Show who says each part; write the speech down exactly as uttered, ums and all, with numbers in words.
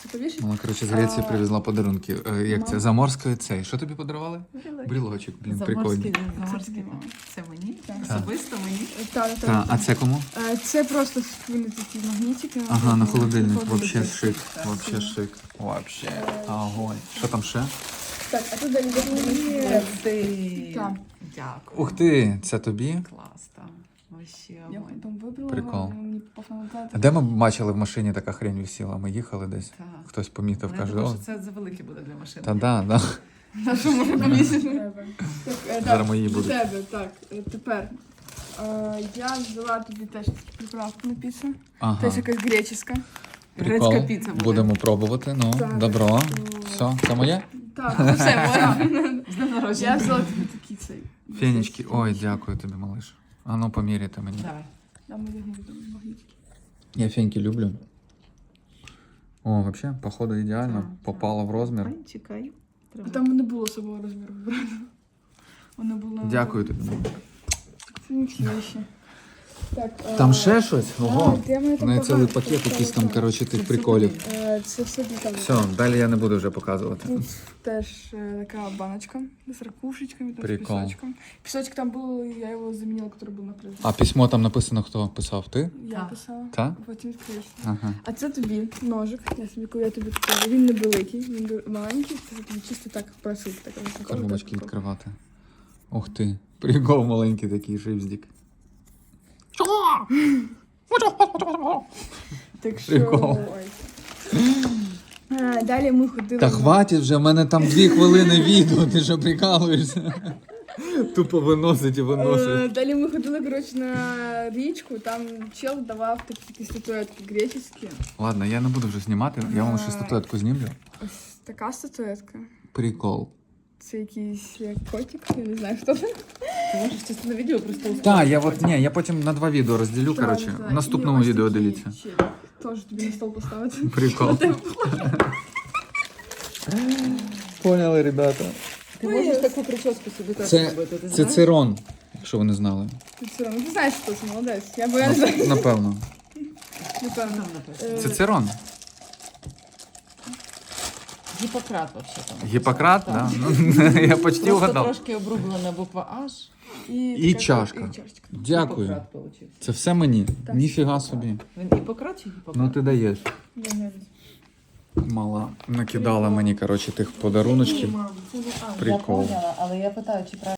Speaker 1: Повішать?
Speaker 2: Вона, коротше, з Греції
Speaker 1: А,
Speaker 2: привезла подарунки. Е, Як це?
Speaker 1: мама.
Speaker 2: Заморської цей. Що тобі подарували?
Speaker 1: Брілочок.
Speaker 2: Брілочок, блін,
Speaker 3: Заморський,
Speaker 2: прикольний.
Speaker 3: заморський.
Speaker 1: Це мама.
Speaker 3: Це мені?
Speaker 1: Так.
Speaker 3: Особисто мені?
Speaker 1: Так,
Speaker 2: Та,
Speaker 1: так.
Speaker 2: а це кому?
Speaker 1: Е, Це просто вони такі магнітики.
Speaker 2: Ага, на холодильник.
Speaker 1: На
Speaker 2: Вообще
Speaker 1: холодильник.
Speaker 2: шик.
Speaker 3: Так,
Speaker 2: Вообще
Speaker 1: сильно.
Speaker 2: шик. Вообще. Огонь. Що там ще?
Speaker 1: Так, а тут далі буде.
Speaker 3: Ти.
Speaker 1: Так.
Speaker 3: Дякую.
Speaker 2: Ух ти, це тобі?
Speaker 3: Клас там. Вообще
Speaker 1: Я
Speaker 3: огонь.
Speaker 1: потім вибрала,
Speaker 2: Прикол.
Speaker 1: але мені попав на
Speaker 2: А
Speaker 1: оплату.
Speaker 2: де ми бачили в машині така хрень висіла? Ми їхали десь.
Speaker 3: Так.
Speaker 2: Хтось помітив,
Speaker 3: Ну, я
Speaker 2: каже,
Speaker 3: думаю,
Speaker 2: о,
Speaker 3: що це завелике буде для машини.
Speaker 2: та да, да.
Speaker 1: На що можна помісити? Так, е,
Speaker 2: Зараз
Speaker 1: так,
Speaker 2: мої
Speaker 1: до
Speaker 2: будуть.
Speaker 1: тебе, так, е, тепер. Е, Я взяла тобі теж приправку на піцу.
Speaker 2: Ага.
Speaker 1: Теж якась греческа.
Speaker 2: Прикол.
Speaker 3: Грецька піца буде.
Speaker 2: Будемо пробувати. Ну,
Speaker 1: Так.
Speaker 2: добро.
Speaker 1: Ну,
Speaker 2: Все, це моє?
Speaker 1: Так, ну все, можна.
Speaker 3: З днем
Speaker 1: Я
Speaker 3: народження.
Speaker 1: взяла тобі такий цей.
Speaker 2: Фенечки. Ой, дякую тобі, малиш. А ну поміряйте мені.
Speaker 3: Давай.
Speaker 1: Там я не буду магнітики.
Speaker 2: Я феньки люблю. О, вообще, походу ідеально.
Speaker 3: Так,
Speaker 2: Попало в розмір.
Speaker 3: Ой, чекай.
Speaker 1: А
Speaker 3: Треба.
Speaker 1: там не було особого розміру брати. Воно було...
Speaker 2: Дякую тобі.
Speaker 1: Це не всі ще. Так, е,
Speaker 2: Там ще щось?
Speaker 1: а,
Speaker 2: Ого.
Speaker 1: де мене там
Speaker 2: У неї цілий
Speaker 1: багато,
Speaker 2: пакет
Speaker 1: так,
Speaker 2: якийсь там,
Speaker 1: так.
Speaker 2: коротше,
Speaker 3: Це
Speaker 2: тих
Speaker 3: все
Speaker 2: приколів.
Speaker 3: тобі.
Speaker 1: Е, Це все для тебе.
Speaker 2: Все, далі я не буду вже показувати.
Speaker 1: Тут теж е, така баночка з ракушечками, там, з
Speaker 2: Прикол.
Speaker 1: пісочком. Пісочок там був, я його замінила, який був на призі.
Speaker 2: А письмо там написано, хто писав? Ти?
Speaker 1: Я
Speaker 3: Так.
Speaker 1: писала.
Speaker 2: Та?
Speaker 1: Потім відкриєш.
Speaker 2: Ага.
Speaker 1: А це тобі ножик. Я собі, коли я тобі купила. Він не великий, він ду- маленький. Це тобі чисто так просив. Так, ось такого,
Speaker 2: Коробочки
Speaker 1: так,
Speaker 2: відкривати. Ух ти. Прикол маленький такий шипздік.
Speaker 1: Так що...
Speaker 2: Прикол.
Speaker 1: ой. А, далі ми ходили...
Speaker 2: Та
Speaker 1: на-
Speaker 2: хватить вже, в мене там дві хвилини відео, ти що прикалуєшся? Тупо виносить і
Speaker 1: Е,
Speaker 2: виносить.
Speaker 1: Далі ми ходили, коротше, на річку, там чел давав такі, такі статуетки греческі.
Speaker 2: Ладно, я не буду вже знімати, я вам ще статуетку знімлю.
Speaker 1: Ось така статуетка.
Speaker 2: Прикол.
Speaker 1: Це якийсь як котик, я не знаю, хто це.
Speaker 3: Ти можеш часто на відео просто
Speaker 2: Так, я от ні, я потім на два відео розділю,
Speaker 1: Так,
Speaker 2: коротше.
Speaker 1: так.
Speaker 2: В наступному
Speaker 1: І ось
Speaker 2: відео
Speaker 1: такі
Speaker 2: дивіться.
Speaker 1: ще. Теж тобі на стол поставити.
Speaker 2: Прикол. Поняли, ребята.
Speaker 3: Ти можеш таку прическу собі теж
Speaker 2: Це,
Speaker 3: робити, ти
Speaker 2: це
Speaker 3: знаєш?
Speaker 2: цирон, якщо ви не знали.
Speaker 1: Ти все одно, ти знаєш, хто це, молодець. Я бо я не знаю.
Speaker 2: Напевно.
Speaker 1: Напевно.
Speaker 3: Там написано.
Speaker 1: Е,
Speaker 2: Це цирон.
Speaker 3: Гіппократ вообще там.
Speaker 2: Гіппократ,
Speaker 3: Так.
Speaker 2: да? Ну, я почти
Speaker 3: Просто
Speaker 2: угадав.
Speaker 3: трошки обрублена буква H.
Speaker 2: І
Speaker 1: така-
Speaker 2: чашка.
Speaker 1: І чашечка.
Speaker 2: Дякую.
Speaker 3: Гіппократ получився.
Speaker 2: Це все мені.
Speaker 1: Так.
Speaker 2: Ніфіга собі.
Speaker 3: Він гіппократ чи гіппократ?
Speaker 2: Ну ти даєш.
Speaker 1: Я не знаю.
Speaker 2: Мала накидала мені, коротше, тих подаруночків.
Speaker 1: Мам, це не- а,
Speaker 2: Прикол.
Speaker 3: Я поняла, але я питаю, чи правильно.